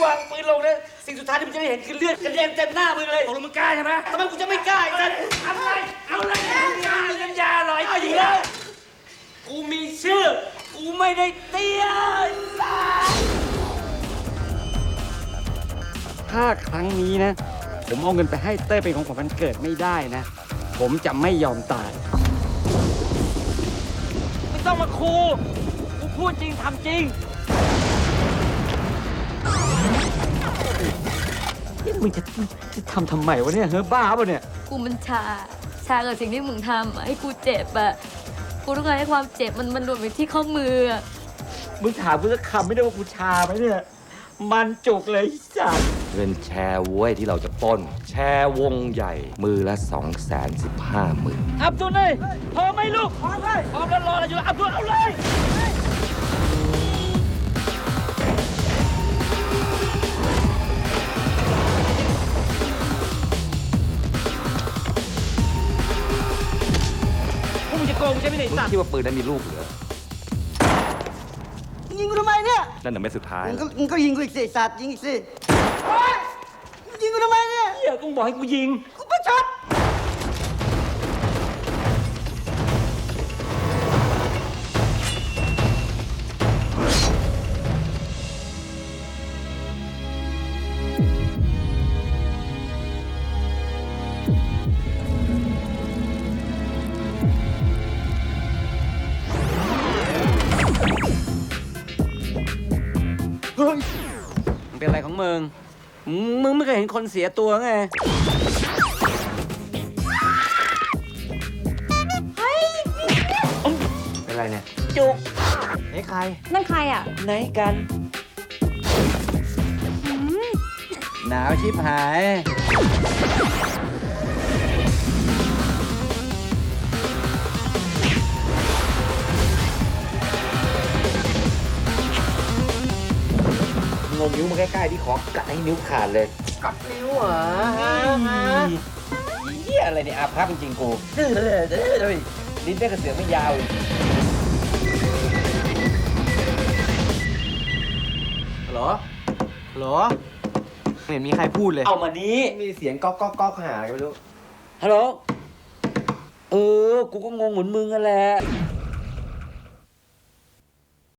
วางปืนลงนะสิ่งสุดท้ายที่มึงจะได้เห็นคือเลือดกระเด็นเต็มหน้ามึงเลยตกลงมึงกล้าใช่ไหมทำไมกูจะไม่กล้าไอ้สัสอะไรเอาเลยน้ำยาอร่อยเอาอีกแล้วกูมีชื่อกูไม่ได้เตี้ยถ้าครั้งนี้นะผมเอาเงินไปให้เต้ยเป็นของขวัญวันเกิดไม่ได้นะผมจะไม่ยอมตายไม่ต้องมาคูกูพูดจริงทำจริงนี่มึงจะทำไมวะเนี่ยเฮ้ยบ้าป่ะเนี่ยกูมันชากับสิ่งที่มึงทำอะให้กูเจ็บอะกูต้องการให้ความเจ็บมันรวมไปที่ข้อมืออะมึงถามกูสักคำไม่ได้ว่ากูชาไหมเนี่ยมันจุกเลยจ้ะเงินแชร์เว้ยที่เราจะปล้นแชร์วงใหญ่มือละ215,000 อับดุลเลยพร้อมไหมลูกพร้อมเลยพร้อมแล้วรอเราอยู่อับดุลเอาเลยพวกมึงจะโกงกูใช่ไหมเนี่ยมึงสัตว์คิดว่าปืนนั้นมีลูกเหรอยิงกูทำไมเนี่ยนั่นน่ะไม่สุดท้ายมึงก็ยิงกูอีกสิสัตว์ยิงอีกสิยิงกูทำไมเนี่ยเหี้ยกูบอกให้กูยิงกูประชดมันเป็นอะไรของมึงไม่เคยเห็นคนเสียตัวไงเป็นไรเนี่ยจุกไหนใครนั่นใครอ่ะไหนกันหนาวชิบหายงมนิ้วมาใกล้ๆที่ขอกัดให้นิ้วขาดเลยกัดนิ้วเหรอเหี้ยอะไรเนี่ยอาภัพจริงๆกูลิ้นได้กระเสือกไม่ยาวฮัลโหลไม่เห็นมีใครพูดเลยเอามานี้มีเสียงก๊อกหาอะไรไม่รู้ฮัลโหลกูก็งงเหมือนมึงนั่นแหละ